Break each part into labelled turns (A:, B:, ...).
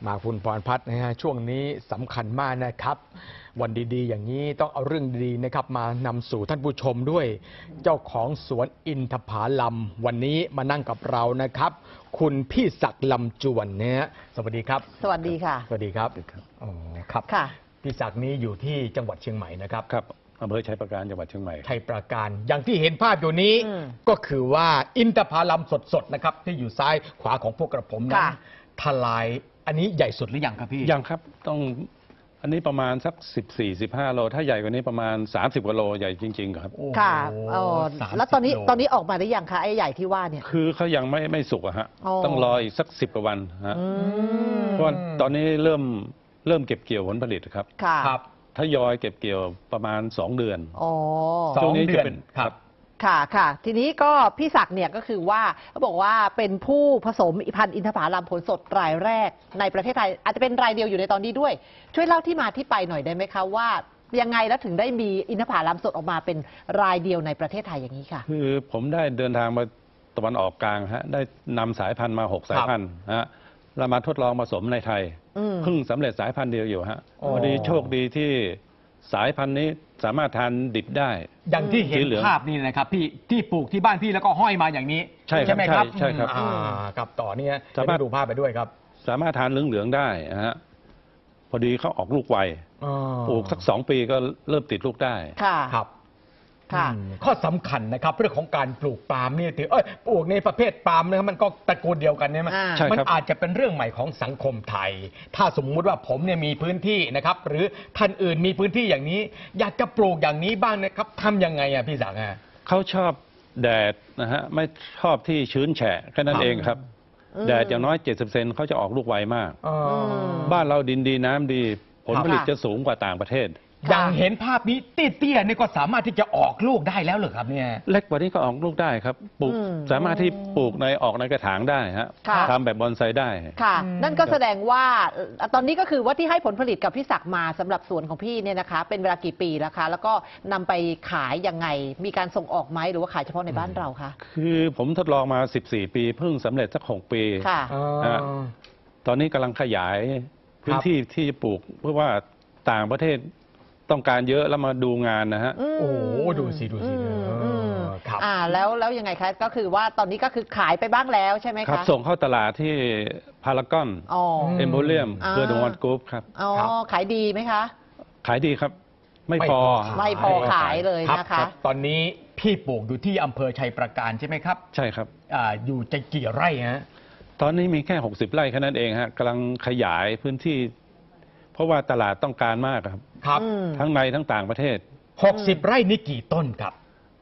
A: มาคุณพรพัฒน์นะฮะช่วงนี้สำคัญมากนะครับวันดีๆอย่างนี้ต้องเอาเรื่องดีๆนะครับมานำสู่ท่านผู้ชมด้วยเจ้าของสวนอินทผลัมวันนี้มานั่งกับเรานะครับคุณพี่ศักดิ์ลำจวนเนี่ยสวัสดีครับ
B: สวัสดีค่ะ
A: สวัสดีครับอ๋อครับ
B: ค่ะ
A: พี่ศักดิ์นี้อยู่ที่จังหวัดเชียงใหม่นะครับ
C: ครับอำเภอชัยปราการจังหวัดเชียงใหม่
A: ชัยปราการอย่างที่เห็นภาพอยู่นี้ก็คือว่าอินทผลัมสดๆนะครับที่อยู่ซ้ายขวาของพวกกระผมนั้นทลายอันนี้ใหญ่สุดหรือยังครับพี่
C: ยังครับต้องอันนี้ประมาณสัก14-15 โลถ้าใหญ่กว่านี้ประมาณ30 กว่าโลใหญ่จริงๆครับ
B: ค่ะแล้วตอนนี้ออกมาได้ยังคะไอ้ใหญ่ที่ว่าเนี่ย
C: คือเขายังไม่สุกอะฮะต้องรออีกสัก10 กว่าวันฮะเพราะตอนนี้เริ่มเก็บเกี่ยวผลผลิตครับ
A: ครับ
C: ทยอยเก็บเกี่ยวประมาณ2 เดือน
A: ช่วงนี้จะเป็นครับ
B: ค่ะทีนี้ก็พี่ศักดิ์เนี่ยก็คือว่าเขาบอกว่าเป็นผู้ผสมพันธุ์อินทผลัมผลสดรายแรกในประเทศไทยอาจจะเป็นรายเดียวอยู่ในตอนนี้ด้วยช่วยเล่าที่มาที่ไปหน่อยได้ไหมคะว่ายังไงแล้วถึงได้มีอินทผลัมสดออกมาเป็นรายเดียวในประเทศไทยอย่างนี้ค่ะ
C: คือผมได้เดินทางมาตะวันออกกลางฮะได้นำสายพันธุ์มา6 สายพันธุ์ฮะเรามาทดลองผสมในไทยเพิ่งสำเร็จสายพันธุ์เดียวอยู่ฮะพอดีโชคดีที่สายพันธุ์นี้สามารถทานดิบได้
A: อย่างที่เห็นภาพนี่นะครับพี่ที่ปลูกที่บ้านพี่แล้วก็ห้อยมาอย่างนี้
C: ใช่ไหมครับใช่ครับ
A: กับต่อเนี่ยสามารถดูภาพไปด้วยครับ
C: สามารถทานเหลืองๆได้ฮะพอดีเขาออกลูกไวปลูกสัก2 ปีก็เริ่มติดลูกได้
A: ครับข้อสำคัญนะครับเรื่องของการปลูกปาล์มนี่ถือปลูกในประเภทปาล์มนะครับมันก็ตระกูลเดียวกันเนี่ยมันอาจจะเป็นเรื่องใหม่ของสังคมไทยถ้าสมมุติว่าผมเนี่ยมีพื้นที่นะครับหรือท่านอื่นมีพื้นที่อย่างนี้อยากจะปลูกอย่างนี้บ้างนะครับทำยังไงอ่ะพี่ศักดิ์
C: เขาชอบแดดนะฮะไม่ชอบที่ชื้นแฉะแค่นั้นเองครับแดดอย่างน้อย70 เซนเขาจะออกลูกไวมากบ้านเราดินดีน้ำดีผลผลิตจะสูงกว่าต่างประเทศ
A: อย่างเห็นภาพนี้เตี้ยๆนี่ก็สามารถที่จะออกลูกได้แล้วเหรอครับเนี่ย
C: เล็กกว่านี้ก็ออกลูกได้ครับปลูกสามารถที่ปลูกออกในกระถางได้ฮะทำแบบบอนไซได้
B: ค่ะนั่นก็แสดงว่าตอนนี้ก็คือว่าที่ให้ผลผลิตกับพี่ศักดิ์มาสำหรับสวนของพี่เนี่ยนะคะเป็นเวลากี่ปีแล้วคะแล้วก็นำไปขายยังไงมีการส่งออกไหมหรือว่าขายเฉพาะในบ้านเราคะ
C: คือผมทดลองมา14 ปีเพิ่งสำเร็จสัก6 ปี
B: ค่ะ
C: ตอนนี้กำลังขยายพื้นที่ที่จะปลูกเพื่อว่าต่างประเทศต้องการเยอะแล้วมาดูงานนะฮะ
A: โอ้ดูสิ
B: ครับแล้วยังไงคะก็คือว่าตอนนี้ก็คือขายไปบ้างแล้วใช่ไหมคะ
C: ครับส่งเข้าตลาดที่พารากอนเอ็มโพเรียมเพื่อดวอนกรุ๊ปครับ
B: ขายดีไหมคะ
C: ขายดีครับไม่พอ
B: ขายเลยนะคะ
A: ตอนนี้พี่ปลูกอยู่ที่อำเภอชัยปราการใช่ไหมครับ
C: ใช่ครับ
A: อยู่จะกี่ไร่ฮะ
C: ตอนนี้มีแค่60 ไร่แค่นั้นเองฮะกำลังขยายพื้นที่เพราะว่าตลาดต้องการมากครับทั้งในทั้งต่างประเทศ
A: 60 ไร่นี่กี่ต้นครับ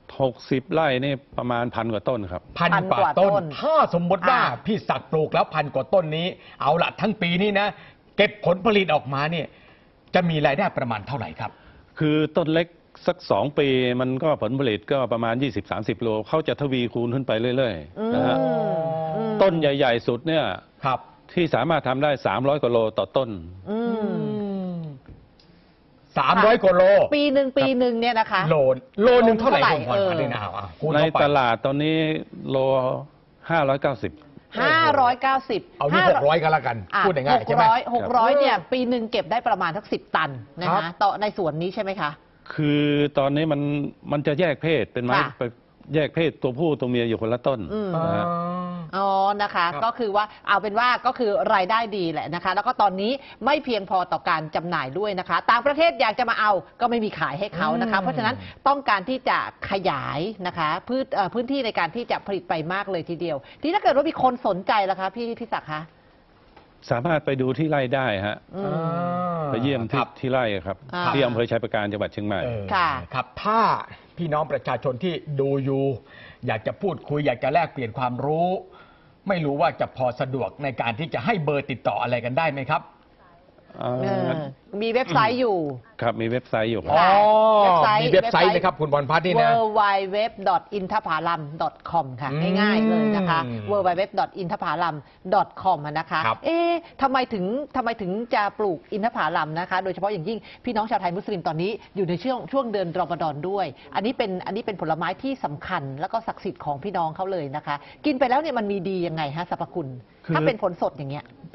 C: 60 ไร่นี่ประมาณ1,000 กว่าต้นครับ
A: 1,000 กว่าต้นถ้าสมมติว่าพี่ศักดิ์ปลูกแล้ว1,000 กว่าต้นนี้เอาละทั้งปีนี้นะเก็บผลผลิตออกมาเนี่ยจะมีรายได้ประมาณเท่าไหร่ครับ
C: คือต้นเล็กสัก2 ปีมันก็ผลผลิตก็ประมาณ20-30 โลเขาจะทวีคูณขึ้นไปเรื่อยๆนะฮะต้นใหญ่ๆสุดเนี่ยที่สามารถทำได้300 กว่าโลต่อต้น
A: 300 กว่าโล
B: ปีหนึ่งเนี่ยนะคะ
A: โลนึงเท่าไหร่คุณพรพัฒน์เนี่ยนะ
C: ในตลาดตอนนี้โล590
A: เอาที่600กันละกันพูดง่ายๆใช่ไหม
B: 600เนี่ยปีหนึ่งเก็บได้ประมาณสัก10 ตันนะคะต่อในสวนนี้ใช่ไหมคะ
C: คือตอนนี้มันจะแยกเพศเป็นไม้แยกเพศตัวผู้ตัวเมียอยู่คนละต้น
B: นะคะก็คือว่าเอาเป็นว่าก็คือรายได้ดีแหละนะคะแล้วก็ตอนนี้ไม่เพียงพอต่อการจำหน่ายด้วยนะคะต่างประเทศอยากจะมาเอาก็ไม่มีขายให้เขานะคะเพราะฉะนั้นต้องการที่จะขยายนะคะพื้นที่ในการที่จะผลิตไปมากเลยทีเดียวที่ถ้าเกิดว่ามีคนสนใจล่ะคะพี่ศักดิ์คะ
C: สามารถไปดูที่ไร่ได้ฮะไปเยี่ยมที่ไร่ครับที่อำเภอชัยปราการจังหวัดเชียงใหม่
A: ครับถ้าพี่น้องประชาชนที่ดูอยู่อยากจะพูดคุยอยากจะแลกเปลี่ยนความรู้ไม่รู้ว่าจะพอสะดวกในการที่จะให้เบอร์ติดต่ออะไรกันได้ไหมครับ
B: มีเว็บไซต์อยู่
C: ครับมีเว็บไซต์อยู่
A: มีเว็บไซต์นะครับคุณพรพัฒน์นี่นะ
B: www.inthapalam.com ค่ะง่ายๆเลยนะคะ www.inthapalam.com นะคะทำไมถึงจะปลูกอินทผลัมนะคะโดยเฉพาะอย่างยิ่งพี่น้องชาวไทยมุสลิมตอนนี้อยู่ในช่วงเดือนรอมฎอนด้วยอันนี้เป็นผลไม้ที่สำคัญแล้วก็ศักดิ์สิทธิ์ของพี่น้องเขาเลยนะคะกินไปแล้วเนี่ยมันมีดียังไงฮะสรรพคุณถ้าเป็นผลสดอย่างเงี้ย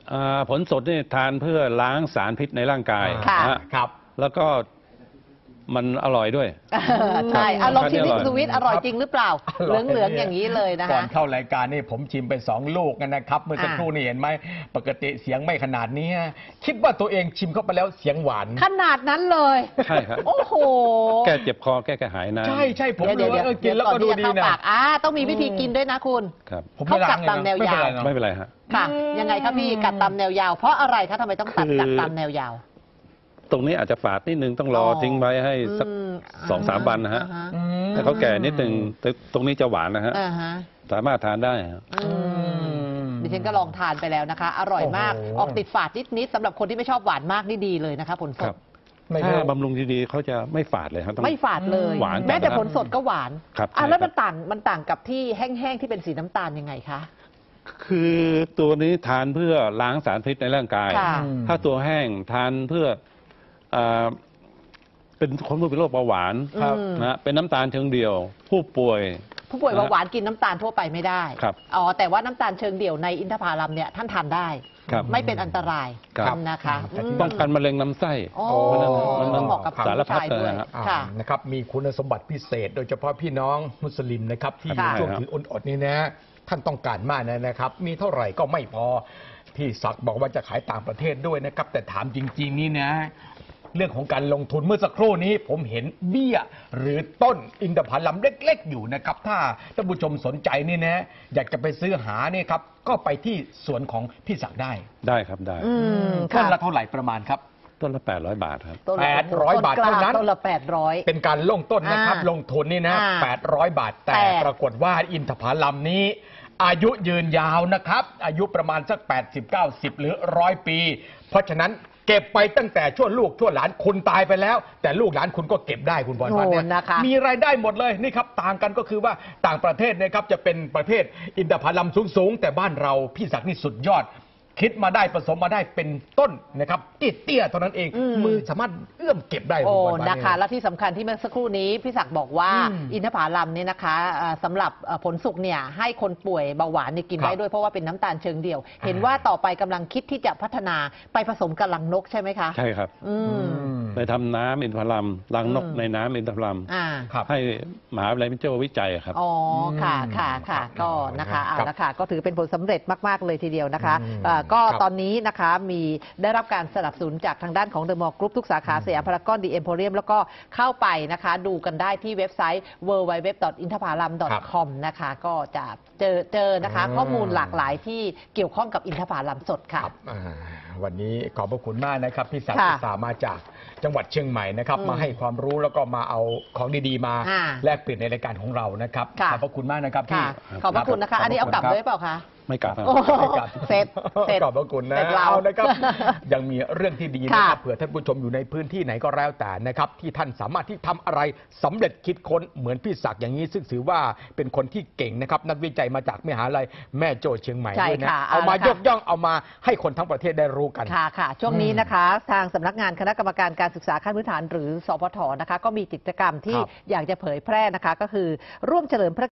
C: ผลสดนี่ทานเพื่อล้างสารพิษในร่างกาย
B: ค่ะ
C: นะฮะ
A: ครับ
C: แล้วก็มันอร่อยด้วย
B: ใช่ลองชิมที่
C: อร่อย
B: คุณสุวิทย์อร่อยจริงหรือเปล่า
A: อ
B: เห
A: ร่อย
B: ลืองๆอย่างนี้เลยนะ
A: ก่อ
B: คะ
A: นเข้ารายการนี่ผมชิมไป2 ลูกนะครับ เมื่อสักครู่นี่เห็นไหมปกติเสียงไม่ขนาดนี้คิดว่าตัวเองชิมเข้าไปแล้วเสียงหวาน
B: ขนาดนั้นเลย
C: ใช่ครับ
B: โอ้โห
C: แก้เจ็บคอแก้กระหายน้ำ
A: ใช่ผม
B: เดี๋ยว
A: รู้ว่ากินแล้วก็ดูดี
B: ก่อนที่จะ
A: นะ
B: เข้าปากต้องมีวิธีกินด้วยนะคุณ
C: ครับ
A: ผมไม่ล้าง
B: เขากัดตามแนวยาว
C: ไม่เป็นไรฮะ
B: ค่ะ ยังไงครับพี่กัดตามแนวยาว เพราะอะไรคะทำไมต้องตัด
C: คือ
B: กัดตามแนวยาว
C: ตรงนี้อาจจะฝาดนิดนึงต้องรอทิ้งไว้ให้สัก 2-3 วันนะฮะ
A: อืม
C: ถ้าเขาแก่นิดนึงแต่ตรงนี้จะหวานนะฮะ
B: อ่าฮะ
C: สามารถทานได้ฮะ
B: ดิฉันก็ลองทานไปแล้วนะคะ อร่อยมาก
A: โอ้โห
B: ออกติดฝาดนิดๆสำหรับคนที่ไม่ชอบหวานมากนี่ดีเลยนะคะผลส
C: ครั
B: ด
C: บ
A: ไม่
C: ถ้า
A: รู้
C: บำรุงดีๆเขาจะไม่ฝาดเลยครับต้อง
B: ไม่ฝาดเลย
C: หวานจัด
B: แม้แต่
C: นะครับ
B: ผลสดก็หวาน
C: ครับ
B: แล้ว
C: ใช่ครับ
B: มันต่างกับที่แห้งๆที่เป็นสีน้ำตาลยังไงคะ
C: คือตัวนี้ทานเพื่อล้างสารพิษในร่างกาย
B: ค่ะ
C: ถ้าตัวแห้งทานเพื่อเป็นคนผู้เป็นโรคเบาหวาน
A: ครับ
C: นะฮะเป็นน้ำตาลเชิงเดียว ผู้ป่วย
B: ผู้ป่วยเบาหวานกินน้ำตาลทั่วไปไม่ได้
C: ครับ
B: อ๋อแต่ว่าน้ำตาลเชิงเดี่ยวในอินทผลัมเนี่ยท่านทานได้
C: ครับ
B: ไม่เป็นอันตราย
C: ครับ
B: นะคะ
A: แต่ที่
C: ป้องกันมะเร็งลำไส้
B: โอ้
C: มัน
B: เหมาะกับ
C: สารพัด
B: ผู้ชายด้วย
C: เลยฮะ
B: ค่ะ
A: นะครับมีคุณสมบัติพิเศษ โดยเฉพาะพี่น้องมุสลิมนะครับที่อยู่
B: ค่ะ
A: ช่วงถืออดนี่นะท่านต้องการมากนะครับ มีเท่าไหร่ก็ไม่พอพี่ศักดิ์บอกว่าจะขายต่างประเทศด้วยนะครับ แต่ถามจริง ๆ นี่นะ เรื่องของการลงทุนเมื่อสักครู่นี้ผมเห็นเบี้ยหรือต้นอินทผลัมเล็ก ๆ อยู่นะครับ ถ้าท่านผู้ชมสนใจนี่นะอยากจะไปซื้อหานี่ครับก็ไปที่สวนของพี่ศักดิ์ได้
C: ได้ครับได้
A: ต้นละเท่าไหร่ประมาณครับ
C: ต้นละ800 บาทครับ
B: ต้นละ
A: 800 บาทเท่านั้น
B: ต้นละ800
A: เป็นการลงต้นนะครับ
B: อ่า
A: ลงทุนนี่นะ
B: อ่า
A: 800 บาท แต่
B: แต่
A: ปรากฏว่าอินทผลัมนี้ อายุยืนยาวนะครับ อายุประมาณสัก 80-90 หรือ 100 ปี เพราะฉะนั้นเก็บไปตั้งแต่ช่วลูกช่วหลานคุณตายไปแล้ว แต่ลูกหลานคุณก็เก็บได้คุณบอลพัฒน์เนี่ย
B: โอ้นะคะ
A: มีรายได้หมดเลยนี่ครับต่างกันก็คือว่าต่างประเทศนะครับจะเป็นประเภทอินทผลัมสูงๆแต่บ้านเราพี่ศักดิ์นี่สุดยอด คิดมาได้ผสมมาได้เป็นต้นนะครับเตี้ยๆเท่านั้นเองมือสามารถเอื้อมเก็บได้
B: โอ้
A: คุณบอลพัฒน์
B: นะคะ
A: เย
B: และที่สำคัญที่เมื่อสักครู่นี้พี่ศักดิ์บอกว่า
A: อืม
B: อินทผลัมเนี่ยนะคะสำหรับผลสุกเนี่ยให้คนป่วยเบาหวานเนี่ยกิน
A: ครับ
B: ได้ด้วยเพราะว่าเป็นน้ำตาลเชิงเดี่ยว เห็นว่าต่อไปกำลังคิดที่จะพัฒนาไปผสมกับลังนกใช่ไหมคะ
C: ใช่ครับ
B: อืม
C: ไปทำน้ำอินทผลัมรังนก
B: อืม
C: ในน้ำอินทผลัม
B: อ่า
A: ครับ
C: ให้มหาวิทยาลัยมิโจวิจัยครับ
B: อ๋อ ค่ะ ค่ะ ค่ะ
A: ครับ
B: ก็นะคะ
A: ครับ
B: เอาละค่ะ ก็ถือเป็นผลสำเร็จมาก ๆ เลยทีเดียวนะคะ
A: อืม
B: ก็
A: ครับ
B: ตอนนี้นะคะมีได้รับการสนับสนุนจากทางด้านของเดอะมอลล์กรุ๊ปทุกสาขาสยามพารากอนดีเอ็มโพเรียมแล้วก็เข้าไปนะคะดูกันได้ที่เว็บไซต์ www.inthapalam.com นะคะ ก็จะเจอนะคะ ข้อมูลหลากหลายที่เกี่ยวข้องกับอินทผลัมสดค่ะ
A: ครับวันนี้ขอบพระคุณมากนะครับพี่ศักดิ์
B: ค่ะ
A: อุตสาห์มาจากจังหวัดเชียงใหม่นะครับมาให้ความรู้แล้วก็มาเอาของดีๆมา
B: อ่า
A: แลกเปลี่ยนในรายการของเรานะครับ
B: ค่ะ
A: ขอบพระคุณมากนะครับพี่
B: ค่ะ ขอบพระคุณนะคะ อันนี้เอากลับด้วยเปล่าคะ
C: ไม่กลับครับ
B: โอ้โหเสร็จ
A: ขอบพระคุณนะ
B: เสร็จเรา
A: เอานะครับ ยังมีเรื่องที่ดีนะครับ
B: ค่ะ
A: เผื่อท่านผู้ชมอยู่ในพื้นที่ไหนก็แล้วแต่นะครับที่ท่านสามารถที่ทำอะไรสำเร็จคิดค้นเหมือนพี่ศักดิ์อย่างนี้ซึ่งถือว่าเป็นคนที่เก่งนะครับนักวิจัยมาจากมหาลัยแม่โจ้เชียงใหม่
B: ใช่
A: ด้วยนะ
B: ค่ะ
A: เอามา
B: เอาละค่ะ
A: ยกย่องเอามาให้คนทั้งประเทศได้รู้กัน
B: ค่ะค่ะ ช่วงนี้นะคะ ทางสำนักงานคณะกรรมการการศึกษาขั้นพื้นฐานหรือสพทนะคะ ก็มีกิจกรรมที่
A: ครับ
B: อยากจะเผยแพร่นะคะ ก็คือร่วมเฉลิมพระ